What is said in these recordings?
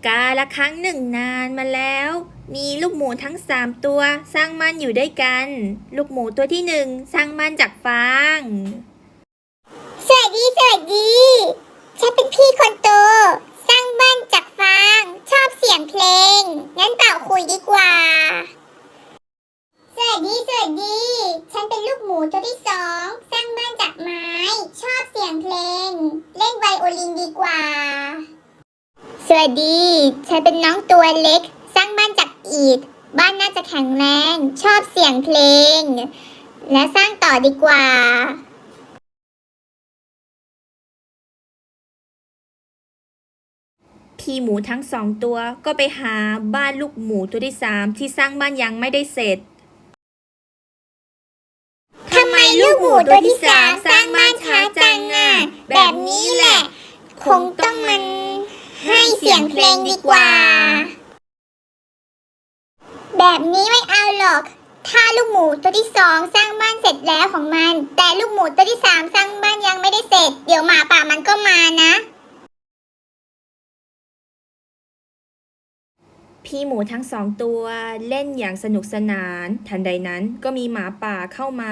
กาละครั้งหนึ่งนานมาแล้ว มีลูกหมูทั้ง3 ตัวสร้างมันอยู่ด้วยกัน ลูกหมูตัวที่1สร้างมันจากฟางสวัสดีฉันเป็นพี่คนโตสร้างบ้านจากฟางชอบเสียงเพลงงั้นเป่าคุยดีกว่าสวัสดีฉันเป็นลูกหมูตัวที่2สร้างบ้านจากไม้ชอบเสียงเพลงเล่นไวโอลินดีกว่าสวัสดีฉันเป็นน้องตัวเล็กสร้างบ้านจากอิฐบ้านน่าจะแข็งแรงชอบเสียงเพลงและสร้างต่อดีกว่าพี่หมูทั้ง2 ตัวก็ไปหาบ้านลูกหมูตัวที่3ที่สร้างบ้านยังไม่ได้เสร็จทำไมลูกหมูตัวที่3สร้างบ้านช้าจังอ่ะแบบนี้แหละคงต้องมันให้เสียงเพลงดีกว่าแบบนี้ไม่เอาหรอกถ้าลูกหมูตัวที่2สร้างบ้านเสร็จแล้วของมันแต่ลูกหมูตัวที่3สร้างบ้านยังไม่ได้เสร็จเดี๋ยวหมาป่ามันก็มานะพี่หมูทั้ง2 ตัวเล่นอย่างสนุกสนานทันใดนั้นก็มีหมาป่าเข้ามา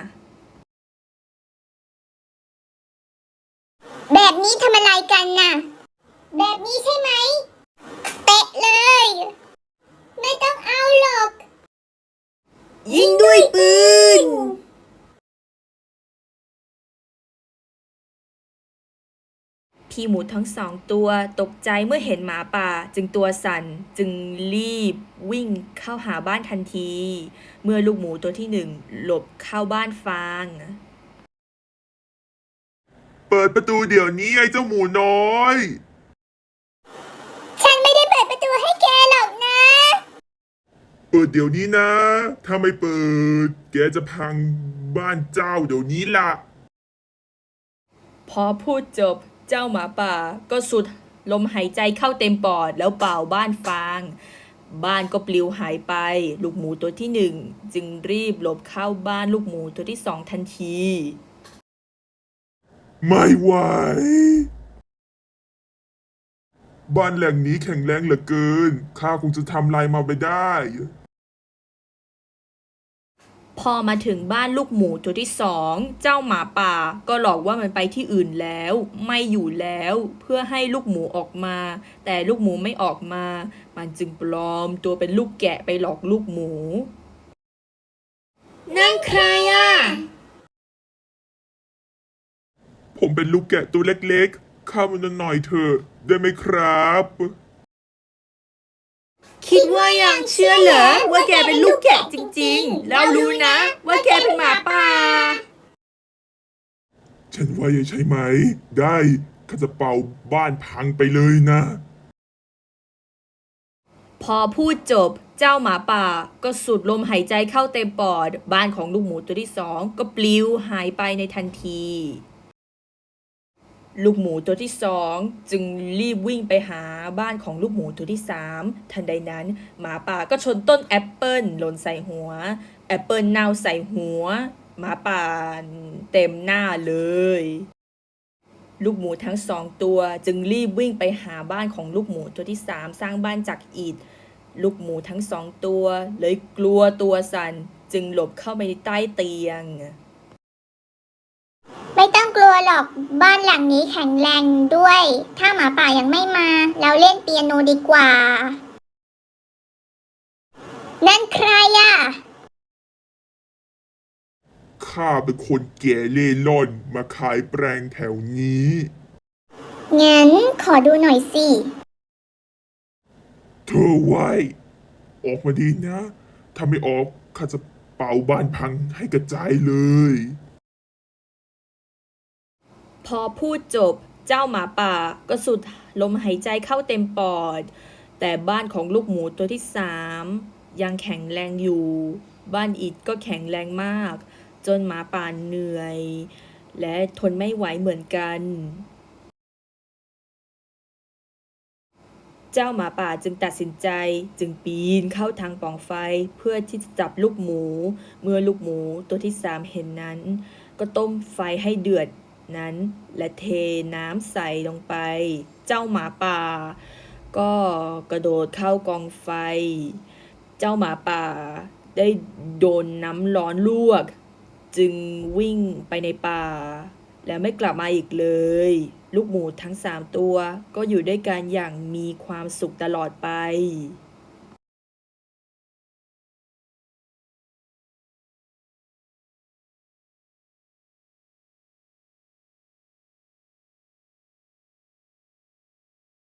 แบบนี้ทำอะไรกันน่ะแบบนี้ใช่ไหมเตะเลยไม่ต้องเอาหรอกยิงด้วยปืนพี่หมูทั้ง2 ตัวตกใจเมื่อเห็นหมาป่าจึงตัวสั่นจึงรีบวิ่งเข้าหาบ้านทันที เมื่อลูกหมูตัวที่1หลบเข้าบ้านฟางเปิดประตูเดี๋ยวนี้ไอ้เจ้าหมูน้อยฉันไม่ได้เปิดประตูให้แกหรอกนะเปิดเดี๋ยวนี้นะ ถ้าไม่เปิด แกจะพังบ้านเจ้าเดี๋ยวนี้ล่ะพอพูดจบเจ้าหมาป่าก็สุดลมหายใจเข้าเต็มปอดแล้วเป่าบ้านฟางบ้านก็ปลิวหายไปลูกหมูตัวที่1จึงรีบหลบเข้าบ้านลูกหมูตัวที่2ทันทีไม่ไหว บ้านแหล่งนี้แข็งแรงเหลือเกิน ข้าคงจะทำลายมาไปได้พอมาถึงบ้านลูกหมูตัวที่2เจ้าหมาป่าก็หลอกว่ามันไปที่อื่นแล้วไม่อยู่แล้วเพื่อให้ลูกหมูออกมาแต่ลูกหมูไม่ออกมามันจึงปลอมตัวเป็นลูกแกะไปหลอกลูกหมูนั่นใครอ่ะผมเป็นลูกแกะตัวเล็กๆเข้ามาหน่อยเถอะได้ไหมครับคิดว่ายังเชื่อเหรอว่าแกเป็นลูกแกะจริงๆแล้วรู้นะว่าแกเป็นหมาป่าฉันว่าใช่ไหม ได้ข้าจะเป่าบ้านพังไปเลยนะพอพูดจบเจ้าหมาป่าก็สูดลมหายใจเข้าเต็มปอดบ้านของลูกหมูตัวที่2ก็ปลิวหายไปในทันทีลูกหมูตัวที่2จึงรีบวิ่งไปหาบ้านของลูกหมูตัวที่3ทันใดนั้นหมาป่าก็ชนต้นแอปเปิลหล่นใส่หัวแอปเปิลเน่าใส่หัวหมาป่าเต็มหน้าเลยลูกหมูทั้ง2 ตัวจึงรีบวิ่งไปหาบ้านของลูกหมูตัวที่3สร้างบ้านจากอิฐลูกหมูทั้ง2 ตัวเลยกลัวตัวสั่นจึงหลบเข้าไปในใต้เตียงไม่ต้องกลัวหรอกบ้านหลังนี้แข็งแรงด้วยถ้าหมาป่ายังไม่มาเราเล่นเปียโนดีกว่านั่นใครอ่ะข้าเป็นคนแก่เล่ร่อนมาขายแปลงแถวนี้งั้นขอดูหน่อยสิเธอไว้ ออกมาดีนะ ถ้าไม่ออกข้าจะเป่าบ้านพังให้กระจายเลยพอพูดจบเจ้าหมาป่าก็สุดลมหายใจเข้าเต็มปอดแต่บ้านของลูกหมูตัวที่3ยังแข็งแรงอยู่บ้านอิฐก็แข็งแรงมากจนหมาป่าเหนื่อยและทนไม่ไหวเหมือนกันเจ้าหมาป่าจึงตัดสินใจจึงปีนเข้าทางปล่องไฟเพื่อที่จะจับลูกหมูเมื่อลูกหมูตัวที่3เห็นนั้นก็ต้มไฟให้เดือดนั้นและเทน้ำใส่ลงไปเจ้าหมาป่าก็กระโดดเข้ากองไฟ เจ้าหมาป่าได้โดนน้ำร้อนลวก จึงวิ่งไปในป่า และไม่กลับมาอีกเลย ลูกหมูทั้ง3 ตัวก็อยู่ด้วยกันอย่างมีความสุขตลอดไป